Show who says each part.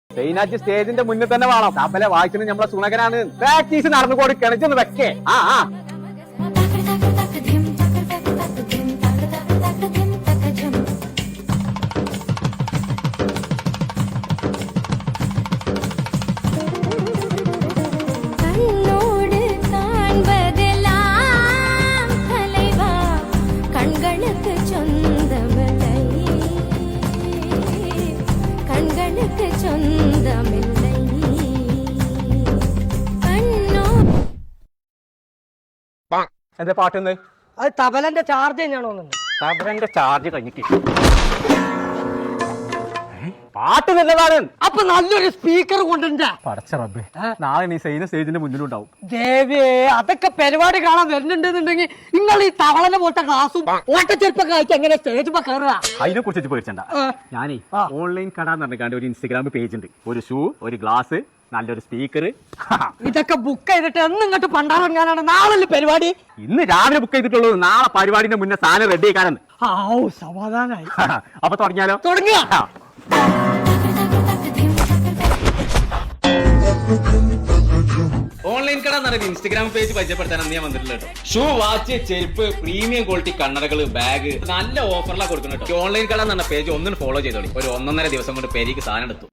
Speaker 1: സൈനാജ് സ്റ്റേജിന്റെ മുന്നിൽ തന്നെ വേണം. തപ്പലെ വായിച്ചത് നമ്മളെ സുണകനാണ്. പ്രാക്ടീസ് നടന്നു കൊടുക്കണം. ഇതൊന്ന് വെക്കേ. എന്താ പാട്ടൊന്ന്?
Speaker 2: അത് തബലന്റെ ചാർജ് തന്നെയാണോ?
Speaker 1: തബലന്റെ ചാർജ് കഴിഞ്ഞിട്ട് പാട്ട് നല്ലതാണ്.
Speaker 2: അപ്പൊ നല്ലൊരു സ്പീക്കർ കൊണ്ടുണ്ടാ.
Speaker 1: പടച്ച റബ്ബേ, നാളെ നീ സൈന സ്റ്റേജിന്റെ മുന്നിലുണ്ടാവും.
Speaker 2: ദേവേ, അതൊക്കെ പരിപാടി കാണാൻ വരുന്നുണ്ടെന്നുണ്ടെങ്കിൽ നിങ്ങൾ ഈ തവളനെ പോലത്തെ ക്ലാസും ഓട്ടച്ചെരുപ്പൊക്കെ അയച്ച് എങ്ങനെ സ്റ്റേജ് കയറുക?
Speaker 1: അതിനെ കുറിച്ച് പേടിച്ചണ്ട. ഞാനേ ഓൺലൈൻ കട എന്ന് പറഞ്ഞാണ്ട് ഒരു ഇൻസ്റ്റഗ്രാം പേജ് ഉണ്ട്. ഒരു ഷൂ, ഒരു ഗ്ലാസ്, നല്ലൊരു സ്പീക്കർ.
Speaker 2: ഇതൊക്കെ ബുക്ക് ചെയ്തിട്ട് എന്ന് ഇങ്ങോട്ട് പണ്ടാറങ്ങാനാണ് നാളെ പരിപാടി.
Speaker 1: ഇന്ന് രാവിലെ ബുക്ക് ചെയ്തിട്ടുള്ളൂ. നാളെ പരിപാടിന്റെ മുന്നേ സാധനം റെഡി ആക്കാനെന്ന്.
Speaker 2: സമാധാനായി.
Speaker 1: അപ്പൊ തുടങ്ങിയാലോ?
Speaker 2: തുടങ്ങിയ
Speaker 1: ഓൺലൈൻ കട എന്ന് പറയുന്നത് ഇൻസ്റ്റാഗ്രാം പേജ് പരിചയപ്പെടുത്താനാണ് ഞാൻ വന്നിട്ടുള്ളത്. ഷൂ, വാച്ച്, ചെരുപ്പ്, പ്രീമിയം ക്വാളിറ്റി കണ്ണടകൾ, ബാഗ്, നല്ല ഓഫറിലാണ് കൊടുക്കുന്നത്. ഓൺലൈൻ കട എന്ന് പറഞ്ഞ പേജ് ഒന്നും ഫോളോ ചെയ്തോളി. ഒരു 1.5 ദിവസം കൊണ്ട് പേരിക്ക് സാധനം എടുത്തു.